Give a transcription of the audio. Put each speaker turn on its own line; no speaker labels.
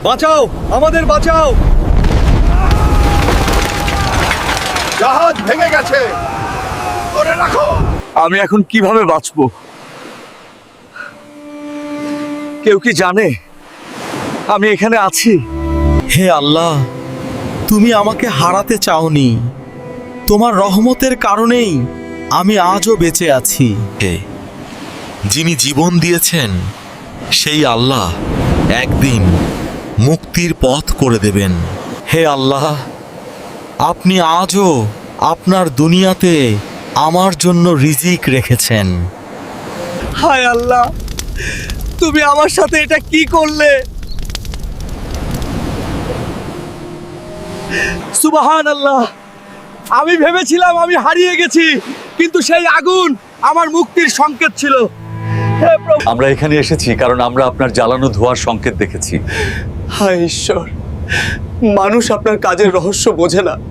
বাঁচাও, আমাদের বাঁচাও।
জাহাজ ভেঙে গেছে, ধরে রাখো।
আমি এখন কিভাবে বাঁচবো? কেউ কি জানে আমি এখানে আছি?
হে আল্লাহ, তুমি আমাকে হারাতে চাওনি। তোমার রহমতের কারণেই আমি আজও বেঁচে আছি। হে, যিনি জীবন দিয়েছেন সেই আল্লাহ একদিন মুক্তির পথ করে দেবেন। হে আল্লাহ, আপনি আজও আপনার দুনিয়াতে আমার জন্য রিজিক রেখেছেন।
হায় আল্লাহ, তুমি আমার সাথে এটা কি করলে? সুবহানাল্লাহ, আমি ভেবেছিলাম আমি হারিয়ে গেছি, কিন্তু সেই আগুন আমার মুক্তির সংকেত ছিল। হে প্রভু,
আমরা এখানে এসেছি কারণ আমরা আপনার জ্বালানো ধোঁয়ার সংকেত দেখেছি।
হায় ঈশ্বর, মানুষ আপনার কাজের রহস্য বোঝে না।